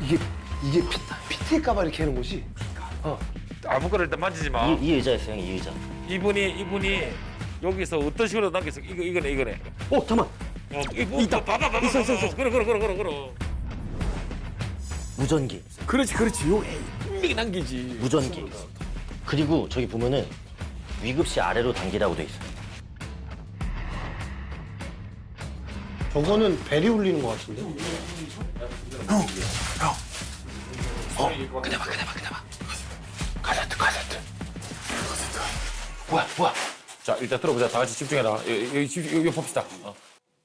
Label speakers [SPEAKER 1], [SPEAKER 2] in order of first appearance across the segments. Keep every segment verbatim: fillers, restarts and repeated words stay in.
[SPEAKER 1] 이게 이게 피, 피트일까봐 이렇게 하는 거지? 어.
[SPEAKER 2] 아무거나 일단 만지지 마.
[SPEAKER 3] 이, 이 의자였어요, 형, 이 의자.
[SPEAKER 2] 이분이 이분이 여기서 어떤 식으로 남겼어? 이거 이거네 이거네.
[SPEAKER 3] 어, 잠깐만.
[SPEAKER 2] 어, 이거 있다. 봐봐 봐봐. 있어 있어 있어. 그래 그래 그래 그래 그래.
[SPEAKER 3] 무전기,
[SPEAKER 2] 그렇지 그렇지. 요 분명히 남기지.
[SPEAKER 3] 무전기. 그리고 저기 보면은 위급시 아래로 당기라고 돼 있어요.
[SPEAKER 1] 저거는 벨이 울리는 것 같은데?
[SPEAKER 2] 어, 그대봐 그대봐 그대봐. 카세트 카세트. 뭐야 뭐야. 자 일단 들어보자. 다 같이 집중해라. 여기 여기, 집- 여기 봅시다. 어.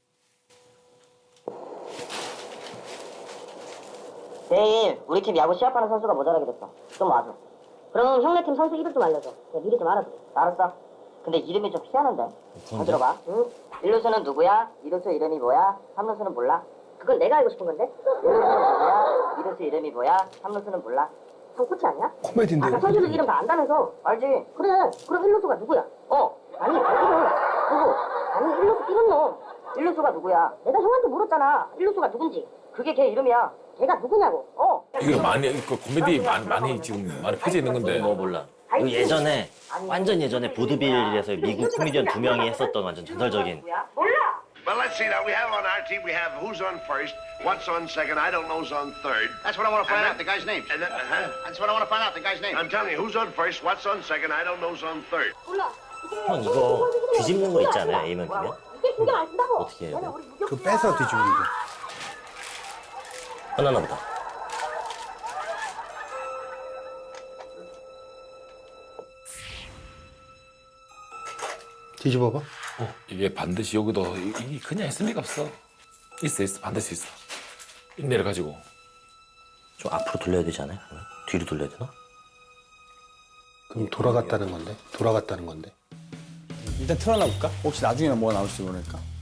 [SPEAKER 4] 내일 우리 팀 야구 시합하는 선수가 모자라게 됐어. 좀 와줘. 그럼 형네 팀 선수 이름 좀 알려줘. 내가 미리 좀 알아줘. 알았어. 근데 이름이 좀 희한한데? 잘 들어봐. 응? 일 루수는 누구야? 이 루수 이름이 뭐야? 삼 루수는 몰라? 그건 내가 알고 싶은 건데? 일 루수는 누구야? 이 루수 이름이 뭐야? 삼 루수는 몰라? 형 코치 아니야?
[SPEAKER 1] 코미디인데.
[SPEAKER 4] 아까 선수들 이름 다 안다면서? 알지. 그래. 그럼 일 루수가 누구야? 어. 아니, 이름. 누구? 아니, 일 루수 뛰는 놈. 일 루수가 누구야? 내가 형한테 물었잖아. 일 루수가 누군지. 그게 걔 이름이야. 걔가 누구냐고. 어.
[SPEAKER 2] 이거 많이 그 코미디 많이 많이 지금 많이 펴져 있는 건데.
[SPEAKER 3] 뭐 몰라. 이거 예전에, 완전 예전에 보드빌에서 미국 코미디언 두 명이 했었던 완전 전설적인.
[SPEAKER 4] 몰라.
[SPEAKER 5] Well, let's see now. We have on our team, we have who's on first, what's on second, I don't know who's on third.
[SPEAKER 6] That's what I want to find
[SPEAKER 5] And
[SPEAKER 6] out, the guy's name.
[SPEAKER 5] And then, uh-huh.
[SPEAKER 6] That's what I want to find out, the guy's name.
[SPEAKER 5] I'm telling you, who's on first, what's on second, I don't know who's on third.
[SPEAKER 4] 몰라.
[SPEAKER 3] 형, 이거 뒤집는 거 있지 않아요? A면 B면?
[SPEAKER 4] 이게 신경 안 쓴다고.
[SPEAKER 3] 어떻게 해요?
[SPEAKER 1] 그 빼서 뒤집는 거.
[SPEAKER 3] 하나나 보다.
[SPEAKER 1] 뒤집어봐.
[SPEAKER 2] 이게 반드시 여기도 이게 그냥 있을 리가 없어. 있어 있어 반드시 있어. 인내를 가지고.
[SPEAKER 3] 좀 앞으로 돌려야 되지 않아요? 그러면? 뒤로 돌려야 되나?
[SPEAKER 1] 그럼 돌아갔다는 건데? 돌아갔다는 건데?
[SPEAKER 7] 일단 틀어놔 볼까? 혹시 나중에는 뭐가 나올지 모르니까.